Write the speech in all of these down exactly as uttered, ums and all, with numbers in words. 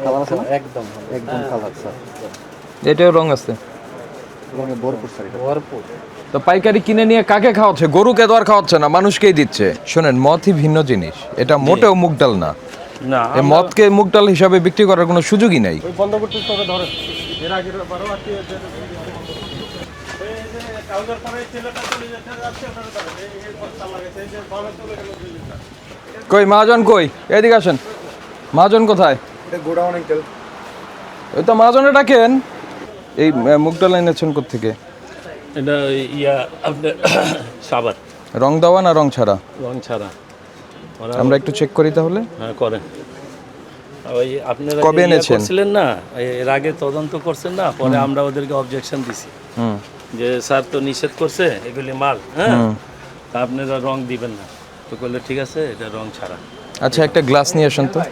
Colour আছে না? একদম একদম কালার স্যার। এটাও রং আছে, রঙে ভরপুর স্যার, এটা ভরপুর। তো পাইকারি কিনে নিয়ে কাকে খাওয়াচ্ছে? গরুকে তো আর খাওয়াচ্ছে না, মানুষকেই দিচ্ছে। শোনেন, মদই ভিন্ন জিনিস, এটা মোটেও মুগ ডাল না। না, এই মদকে মুগ ডাল হিসাবে বিক্রি করার কোনো সুযোগই নাই। ওই বন্ধ করতে হবে ধরে এর আগে বারো আটটি এই যে কাউন্টার পরে ছেলেটা চলে যেতে যাচ্ছে ওটা ধরে এই এই পথটা লাগাইছে এই যে বামে চলে গেল দুই লিটার। কই মহাজন, কই এদিকে আসেন। মহাজন কোথায়? এটা গোডাউন আঙ্কেল। ওই তো মহাজনে ডাকেন। এই আহ, মুগ ডাল এনেছেন কোত্থেকে? এটা ইয়া আপনার সাবাত রং দেওয়া না রং ছাড়া? রং ছাড়া। ওরা আমরা একটু চেক করি তাহলে। হ্যাঁ করেন। ওই আপনারা কবে যে ইয়া এনেছেন? করছিলেন না, এর আগে তদন্ত করছেন না, পরে আমরা ওদেরকে অবজেকশন দিছি হুম যে স্যার তো নিষেধ করছে এগুলি মাল, হ্যাঁ তা আপনারা রং দিবেন না। তো বললে ঠিক আছে, এটা রং ছাড়া। আচ্ছা, একটা গ্লাস নিয়ে আসেন তো।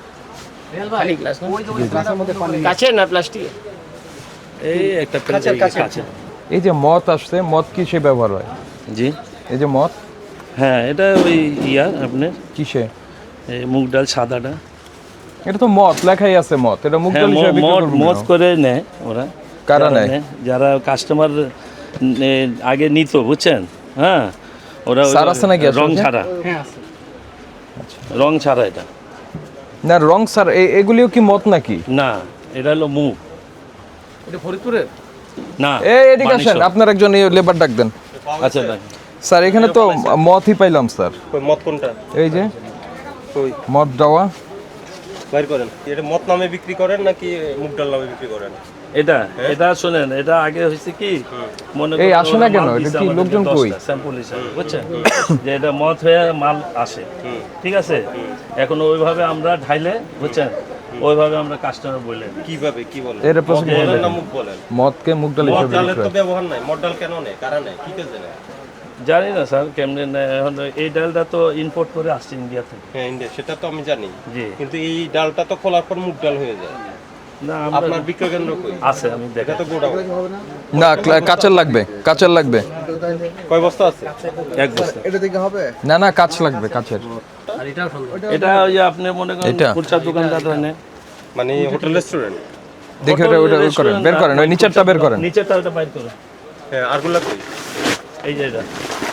কাছে না প্লাস্টিক, এই একটা কাছে। এই যে মদ আসছে, মদ কিসে ব্যবহার হয়? জি এই যে মদ হ্যাঁ, এটা ওই ইয়া আপনার কিসে? এই মুগ ডাল সাদাটা। এটা তো মদ লেখাই আছে মদ, এটা মুগ হ্যাঁ, ডাল হিসেবে বিক্রি মদ করবো মদ কেন? করে নেয় ওরা। কারা যারা নেয়? নেয়, যারা কাস্টমার আগে নিত, বুঝছেন, হ্যাঁ ওরা ওই স্যার আছে নাকি রং আসলে? ছাড়া, হ্যাঁ আছে। রং ছাড়া এটা না রং স্যার, এই এগুলিও কি মদ নাকি? না, এটা হলো মুগ। এটা ফরিদপুরের? না, এই এদিকে আসেন, মানিকশো। আপনার একজন লেবার ডাক দেন। আচ্ছা ভাই, স্যার এখানে তো মদই পাইলাম স্যার। কই মদ কোনটা? এই যে কই মদ দেওয়া। বাইর করেন। এটা মদ নামে বিক্রি করেন নাকি মুগ ডাল নামে বিক্রি করেন? এটা এটা শুনেন, এটা আগে হয়েছে কি, মনে এই করো আসে না ওরা কেন? মাল এটা দিছে কি আমাদেরকে লোকজন কই? দশটা স্যাম্পল হিসাবে, বুঝছেন, যে এটা মদ হয়ে মাল আসে, ঠিক আছে। এখন ওইভাবে আমরা ঢাইলে, বুঝছেন, ওইভাবে আমরা কাস্টমার বলে দিই। কিভাবে কি বলেন? এর প্রশ্ন মদ বলেন বলেন। না মুগ বলেন? মদকে মুগ ডাল মদ হিসেবে ডালের বিক্রি তো হয়। ব্যবহার নাই। মদ ডাল কেন নেয়? কারা নেয়? কি কাজে নেয়? জানি না স্যার কেমনে নেয়। এখন এই ডালটা তো ইম্পোর্ট করে আসছে ইন্ডিয়া থেকে। হ্যাঁ ইন্ডিয়া, সেটা তো আমি জানি। জি, কিন্তু এই ডালটা তো খোলার পর মুগ ডাল হয়ে যায়। না আমরা আপনার বিক্রয় কেন্দ্র কই? আছে, আমি এটা দেখা তো গোডাউন। না ক্লা- কাচের লাগবে, কাচের লাগবে। কয় বস্তা আছে? এক বছর। এটা দিকে হবে? না না কাচ লাগবে, কাচের। এটা ওই যে আপনি মনে করেন এটা? খুচরা দোকানদার নেয়। মানে হোটেল রেস্টুরেন্ট? দেখে ওটা ওটা ওই করেন, বের করেন, ওই নিচেরটা বের করেন। নিচেরটা ওটা বাইর করুন। হ্যাঁ আরগুলা কই? এই যে এটা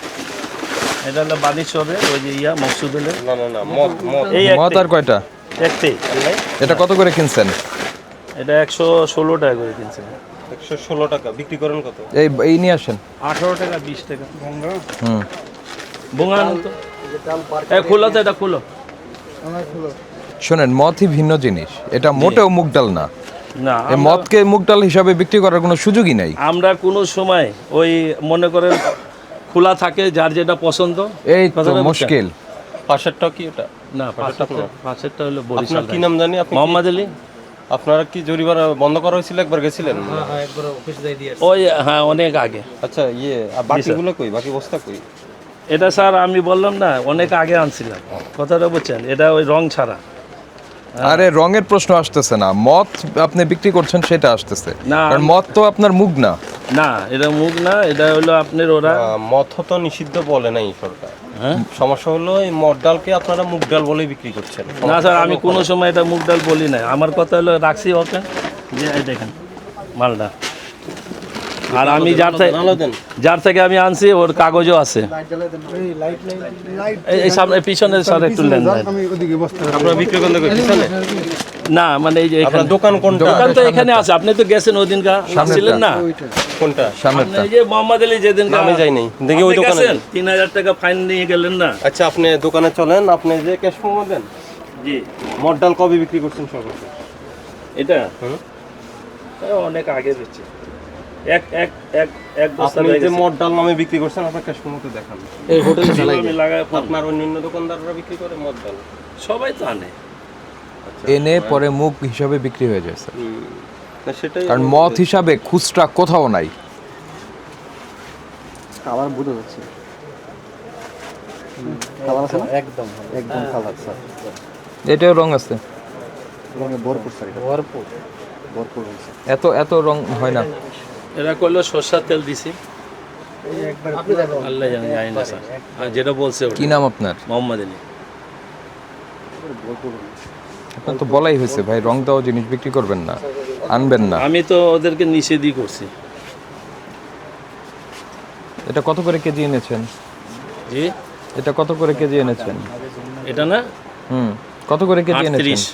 এটা হলো বাদিশ হবে, ওই যে ইয়া মকসুদুলের না না না মদ মদ এই মদ একটাই আর কয়টা? একটাই। এটা কত করে কিনছেন? এটা একশো ষোলো টাকা করে কিনছে। একশো ষোলো টাকা বিক্রি করেন কত? এই এই নিয়ে আসেন। আঠারো টাকা বিশ টাকা হুম বোঙানো তো। এ খুলো তো, এটা খুলো। শোনেন, মদই ভিন্ন জিনিস, এটা মোটেও মুগ ডাল না। না, এই আমরা- মদকে মুগ ডাল হিসাবে বিক্রি করার কোনো সুযোগই নাই। আমরা কোনো সময় ওই মনে করেন খোলা থাকে, যার যেটা পছন্দ। এই তো কথাটা বুঝছেন? মুশকিল। পাশেরটা কি এটা? না, পাশেরটা পাশেরটা হলো বরিশাল। আপনার কি নাম জানি? আপনি কি- মোহাম্মদ আলী। আপনারা কি জরিমানা বন্ধ করা হয়েছিল? একবার গেছিলেন? ওই হ্যাঁ, অনেক আগে। আচ্ছা ইয়ে আর বাকিগুলো কই? বাকি বস্তা কই? এটা স্যার আমি বললাম না, অনেক আগে আনছিলাম, কথাটা বুঝছেন, এটা ওই রং ছাড়া। আরে রঙের প্রশ্ন আসতেছে না, মদ আপনি বিক্রি করছেন সেটা আসতেছে। না, কারণ মদ তো আপনার মুগ না। না এটা মুগ না, এটা হলো আপনার ওরা। আহ, মদ তো নিষিদ্ধ বলে নাই সরকার। হ্যাঁ সমস্যা হলো এই মদ ডালকে আপনারা মুগ ডাল বলেই বিক্রি করছেন। না স্যার, আমি কোনো সময় এটা মুগ ডাল বলি না। আমার কথা হলো রাখছি ওকে, যে এই দেখেন মালটা। আর আমি যার থেকে আলো দেন। যার থেকে আমি আনছি ওর কাগজও আছে। এই- এই সামনে পিছনে স্যার একটু লেন দেন। আপনারা বিক্রি কেন্দ্র কই? পিছনে? না মানে এই যে আপনার এখানে দোকান কোনটা? দোকান তো এখানে আছে। আপনি তো গেছেন ওই দিনকা, আসছিলেন না? কোনটা? আপনি সামনেরটা। এই যে মোহাম্মদ আলী যেদিন আমি যাই নাই। দেখি ওই দোকানে। তিন হাজার টাকা ফাইন নিয়ে গেলেন না? আচ্ছা আপনি দোকানে চলেন, আপনি যে ক্যাশ মেমো দেন। জি, মদ ডাল কবে বিক্রি করছেন সর্বশেষ? এটা হুম। এ অনেক আগে দিচ্ছে। এক এক এক এক বস্তা আপনি হয়ে যে গেছে। মদ ডাল নামে বিক্রি করছেন আপনার ক্যাশ মেমোতে দেখান। এই হোটেলে আমি লাগাই আপনার অন্যান্য দোকানদাররা বিক্রি করে মদ ডাল? সবাই তো আনে। এনে পরে মুগ হিসাবে বিক্রি হয়ে যায় স্যার। হুম। না সেটাই কারণ মদ হিসাবে খুচরা কোথাও নাই। কালার বুঝে যাচ্ছে। কালার আছে না? একদম একদম কালার স্যার। এটাও রং আছে, রঙে ভরপুর স্যার, এটা ভরপুর। ভরপুর হয়েছে। এত এত রং হয় না। এরা করলো সরষার তেল দিছি। আল্লাহ জানে, জানি না স্যার। আর যেটা বলছে ওটা। কি নাম আপনার? মোহাম্মদ আলী। ভরপুর হয়েছে। আপনার তো বলাই হয়েছে ভাই, রং দেওয়া জিনিস বিক্রি করবেন না, আনবেন না। আমি তো ওদেরকে নিষেধই করছি। এটা কত করে কেজি এনেছেন? জি, এটা কত করে কেজি এনেছেন? এটা না হুম, কত করে কেজি এনেছেন? আটত্রিশ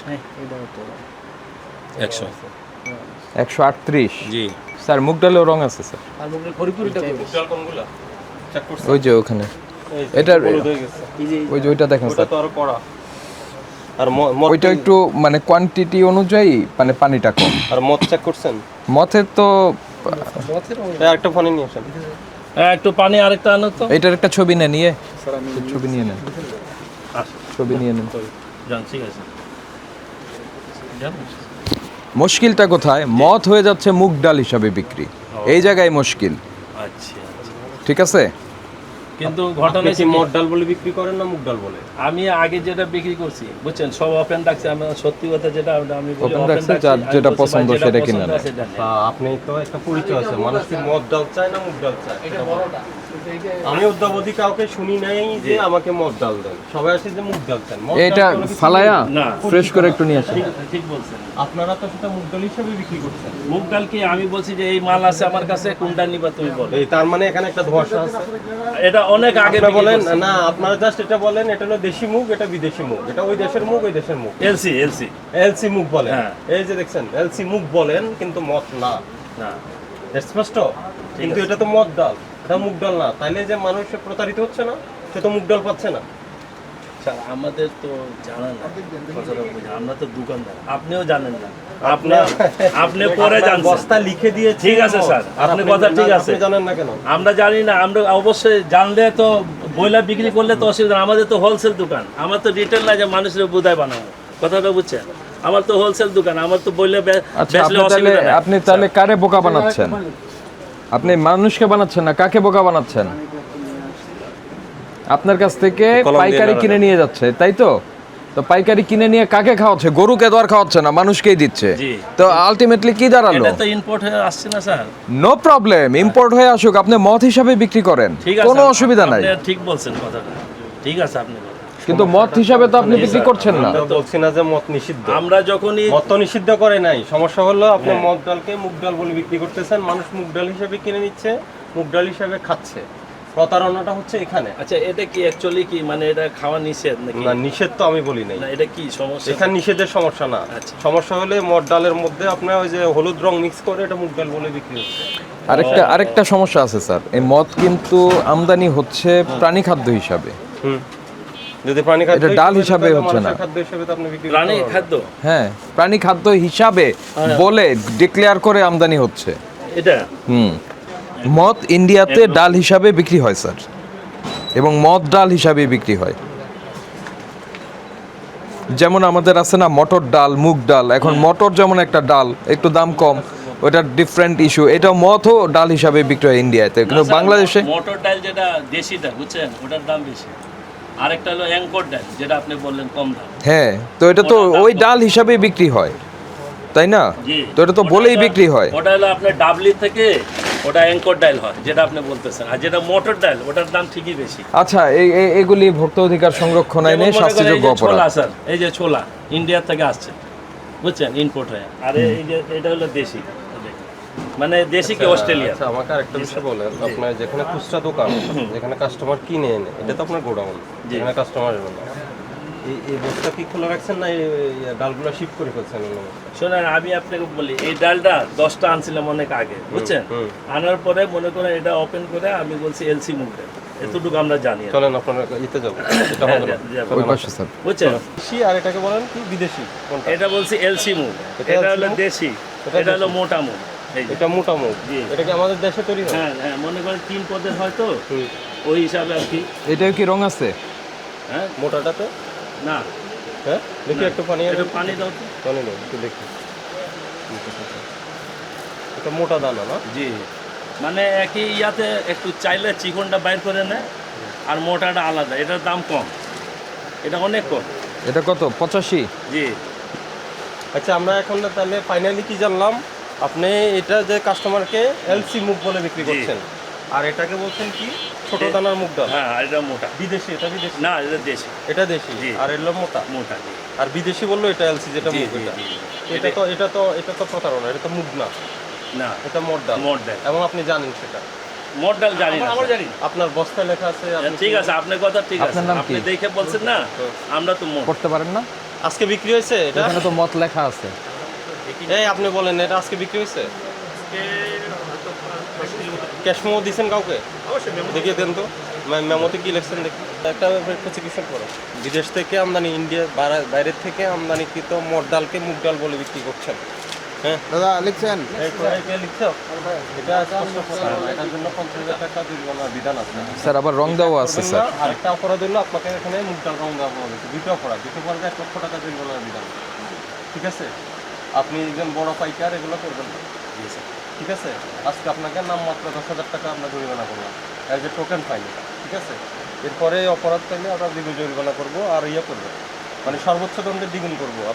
একশো। একশো আটত্রিশ। জি স্যার মুগ ডালেও রং আছে স্যার, ডাল কোনগুলা চেক করছেন? ওই যে ওখানে এই যে এটার হলুদ হয়ে গেছে। ওই যে ওইটা দেখেন ওটা স্যার, তো আরো কড়া। আর ম- মদ ওইটা একটু মানে কোয়ান্টিটি অনুযায়ী মানে পানিটা কম। আর মদ চেক করছেন? মথের তো এই আরেকটা ফোনে নিয়ে আসেন। হ্যাঁ, একটু পানি আরেকটা আনো তো। এটার একটা ছবি নেন, নিয়ে ছবি নিয়ে নেন, আসো, ছবি নিয়ে নেন। যান, ঠিক আছে যান। মুশকিলটা কোথায়? মদ হয়ে যাচ্ছে মুগ ডাল হিসাবে বিক্রি, এই জায়গায় মুশকিল। আচ্ছা আচ্ছা। ঠিক আছে, কিন্তু আপনি ঘটনা কি কি, মদ ডাল বলে বিক্রি করেন না মুগ ডাল বলে? আমি আগে যেটা বিক্রি করছি বুঝছেন, সব ওপেন রাখছি। আমি সত্যি কথা যেটা আমি বলি, Open open রাখছে, রাখছি। যার আমি যেটা বলছি, পছন্দ ভাই, যেটা সেটা কিনে পছন্দ নেয়। সেটা নেয়। তা আপনি তো একটা পরিচয় আছে, মানুষ কি মদ ডাল চায় না মুগ ডাল চায়? এটা বলেন। আমি অদ্যাবধি কাউকে শুনি নাই যে আমাকে মদ ডাল দেন, সবাই আসে যে মুগ ডাল চান। মদ ডাল এটা কোনো কিছু ফালায়া নেই। না, ফ্রেশ করে একটু নিয়ে আসেন। ঠিক ঠিক বলছেন। আপনারা তো সেটা মুগ ডাল হিসেবে বিক্রি করছেন। মুগ ডাল কি আমি বলছি যে এই মাল আছে আমার কাছে, কোনটা নিবা তুমি বলো। এই তার মানে এখানে একটা ধোঁয়াশা আছে। এটা অনেক আগে আপনি বলেন না, আপনারা জাস্ট এটা বলেন এটা হলো দেশি মুগ, এটা বিদেশি মুগ, এটা ওই দেশের মুগ, ওই দেশের মুগ। এলসি এলসি এলসি মুগ বলেন। হ্যাঁ। এই যে দেখছেন এলসি মুগ বলেন, কিন্তু মদ না। না, স্পষ্ট? কিন্তু এটা তো মদ ডাল, এটা মুগ ডাল না। তাইলে যে মানুষ প্রতারিত হচ্ছে না, সে তো মুগ ডাল পাচ্ছে না। স্যার আমাদের তো জানা না, কথাটা বুঝেন। আমরা তো দোকানদার, আপনিও জানেন না। আপনি আপনি পরে আপনার জানছেন। বস্তা লিখে দিয়েছে। ঠিক আছে স্যার, আর আপনি কথা ঠিক আছে। আপনি জানেন না কেন? আমরা জানি না, আমরা অবশ্যই জানলে তো বইলা বিক্রি করলে তো অসুবিধা না। আমাদের তো হোলসেল দোকান, আমার তো রিটেল না যে মানুষের বোধায় বানাবো। কথাটা বুঝছেন? আমার তো হোলসেল দোকান, আমার তো বইলে বে- আচ্ছা, বেচলে আপনি তাহলে অসুবিধা নাই। আপনি তাহলে কারে বোকা বানাচ্ছেন? আপনি মানুষকে বানাচ্ছেন না, কাকে বোকা বানাচ্ছেন? আপনার কাছ থেকে কলম দিয়ে পাইকারি নাড়া কিনে নিয়ে যাচ্ছে, তাই তো? তো পাইকারি কিনে নিয়ে কাকে খাওয়াচ্ছে? গরুকে তো আর খাওয়াচ্ছে না, মানুষকেই দিচ্ছে। জি। তো আলটিমেটলি কি দাঁড়ালো? এটা তো ইম্পোর্ট হয়ে আসছে না স্যার। নো প্রবলেম, ইম্পোর্ট হয়ে আসুক, আপনি মদ হিসাবে বিক্রি করেন, ঠিক আছে, কোনো অসুবিধা নাই। আপনি ঠিক বলছেন কথাটা, ঠিক আছে আপনি বলেন। কিন্তু মদ হিসাবে তো আপনি বিক্রি করছেন না। আমরা তো বলছি না যে মদ নিষিদ্ধ। আমরা যখনই মদ তো নিষিদ্ধ করে নাই। সমস্যা হলো আপনি মদ ডালকে মুগ ডাল বলে বিক্রি করতেছেন, মানুষ মুগ ডাল হিসেবে কিনে নিচ্ছে, মুগ ডাল হিসেবে খাচ্ছে। প্রতারণাটা হচ্ছে এখানে। আচ্ছা, এটা কি অ্যাকচুয়ালি কি মানে এটা খাওয়া নিষেধ নাকি? না, নিষেধ তো আমি বলি নাই। না, এটা কি সমস্যা? এখানে নিষেধের সমস্যা না। আচ্ছা। সমস্যা হলে মদ ডালের মধ্যে আপনার ওই যে হলুদ রং মিক্স করে এটা মুগ ডাল বলে বিক্রি হচ্ছে। আরেকটা আরেকটা সমস্যা আছে স্যার, এই মদ কিন্তু আমদানি হচ্ছে প্রাণী খাদ্য হিসাবে। হুম। যদি প্রাণী খাদ্য এটা ডাল হিসেবে হিসাবে তাহলে হচ্ছে না। মানুষের খাদ্য হিসেবে তো আপনি বিক্রি করতে প্রাণী পারবেন। খাদ্য হ্যাঁ, প্রাণী খাদ্য হিসাবে বলে ডিক্লেয়ার করে আমদানি হচ্ছে। এটা হুম, মদ ইন্ডিয়াতে ডাল হিসাবে বিক্রি হয় স্যার, এবং মদ ডাল হিসাবে বিক্রি হয়। যেমন আমাদের আছে না মটর ডাল, মুগ ডাল। এখন মটর যেমন একটা ডাল, একটু দাম কম, ওটা ডিফারেন্ট ইস্যু। এটা মদও ডাল হিসাবে বিক্রি হয় ইন্ডিয়াতে, কিন্তু স্যার, বাংলাদেশে মটর ডাল যেটা দেশিটা বুঝছেন, ওটার দাম বেশি। আরেকটা হলো অ্যাঙ্কর ডাল, যেটা আপনি বললেন কম দাম। হ্যাঁ, তো এটা তো ওটার দাম ওই কত? ডাল হিসাবে বিক্রি হয়, তাই না? জি, তো এটা তো ওটা বলেই হলো- বিক্রি হয়। ওটা হলো আপনার ডাবলি থেকে ওটা অ্যাঙ্কর ডাল হয়, যেটা আপনি বলতেছেন। আর যেটা মটর ডাল, ওটার দাম ঠিকই বেশি। আচ্ছা, এই এই- এগুলি ভোক্তা অধিকার সংরক্ষণ আইনে যেমন মনে করেন এই শাস্তিযোগ্য যে অপরাধ। ছোলা স্যার, এই যে ছোলা ইন্ডিয়া থেকে আসছে বুঝছেন, ইম্পোর্ট হয়ে। আর এই যে এটা হলো দেশি, মানে দেশি কি অস্ট্রেলিয়া। আচ্ছা, আমাকে আরেকটা বিষয় বলেন, আপনার যেখানে খুচরা দোকান, যেখানে কাস্টমার কিনে এনে, এটা তো আপনার গোডাউন, যেখানে কাস্টমার এলো না, এই এই বস্তা কি খোলা রাখছেন না এই এই ডালগুলো শিফট করে ফেলছেন অন্য বস্তায়? শোনেন, আমি আপনাকে বলি, এই ডালটা দশটা আনছিলাম অনেক আগে বুঝছেন। হুম। আনার পরে মনে করেন এটা ওপেন করে আমি বলছি এলসি মুগ ডাল, এতটুকু আমরা জানি আর কি। চলেন আপনার ইতে যাবো, এটা হবে না। হ্যাঁ, যাবো। ওই পাশে স্যার। বুঝছেন, দেশি আর এটাকে বলেন কি বিদেশি কোনটা? এটা বলছি এলসি মুগ, এটা এটা LC হলো মুগ? দেশি, এটা এটা হলো দেশি। মোটা মুগ। এই যে। এটা মোটা মুগ। জি। এটা কি আমাদের দেশে তৈরি হয়? হ্যাঁ হ্যাঁ, মনে করেন তিন পদের হয়তো হুম। ওই হিসাবে আর কি। এটাও কি রং আছে? হ্যাঁ, মোটাটাতে? না হ্যাঁ, দেখি একটু পানি একটু আনো। পানি দাও তো। পানি নেই, একটু দেখি। এটা মোটা দানা না? জি, মানে একই ইয়াতে একটু চাইলে চিকনটা বাইর করে নেয়, আর মোটাটা আলাদা, এটার দাম কম, এটা অনেক কম। এটা কত? পঁচাশি? জি, আচ্ছা, আমরা এখন না তাহলে ফাইনালি কি জানলাম, আপনি এটা যে কাস্টমারকে এলসি মুগ বলে বিক্রি জি। করছেন, আর এটাকে বলছেন কি ছোট দানার মুগ ডাল। হ্যাঁ, আর এটা মোটা। বিদেশি, এটা বিদেশি, না, এটা দেশি, এটা দেশি, জি। আর এলো মোটা। মোটা জি। আর বিদেশি বললো এটা এলসি যেটা জি, মুগ জি, এটা জি। এটা তো এটা তো এটা তো প্রতারণা, এটা তো মুগ না, না এটা মোট ডাল মোট ডাল। এবং আপনি জানেন সেটা, মোট ডাল জানি না আমরা জানি আপনার বস্তায় লেখা আছে আপনি ঠিক আছে আপনার কথা ঠিক আছে আপনার নাম আপনি কি? দেখে বলছেন না আমরা তো মোট করতে পারেন না? আজকে বিক্রি হয়েছে এটা? এখানে তো মত লেখা আছে। এই আপনি বলেন এটা আজকে বিক্রি হয়েছে? ক্যাশ মেমো দিয়েছেন কাউকে? দেখিয়ে দেন তো মে- মেমোতে কি লিখছেন দেখি। একটা একটা চিকিৎসা করো, বিদেশ থেকে আমদানি, ইন্ডিয়া বাইরে- বাইরের থেকে আমদানিকৃত মোট ডালকে মুগ ডাল বলে বিক্রি করছেন। হ্যাঁ দাদা লিখছেন এই কোথায় কে লিখছো? এটা স্পষ্ট প্রতারণা, এটার জন্য পঞ্চাশ হাজার টাকা জরিমানার বিধান আছে। স্যার আবার রং দেওয়া আছে স্যার। আরেকটা অপরাধ হলো আপনাকে এখানে মুগ ডাল রং দেওয়া হয়েছে, দুটো অপরাধ, দুটো অপরাধে এক লক্ষ টাকা জরিমানার বিধান। ঠিক আছে, আপনি একজন বড় পাইকার এগুলো করবেন না। ঠিক আছে, আজকে আপনাকে নামমাত্র দশ হাজার টাকা আমরা জরিমানা করলাম অ্যাজ এ টোকেন ফাইন। ঠিক আছে, এরপরে অপরাধ পাইলে আমরা দ্বিগুণ জরিমানা করবো আর ইয়ে করবো, মানে সর্বোচ্চ দণ্ডের দ্বিগুণ করবো।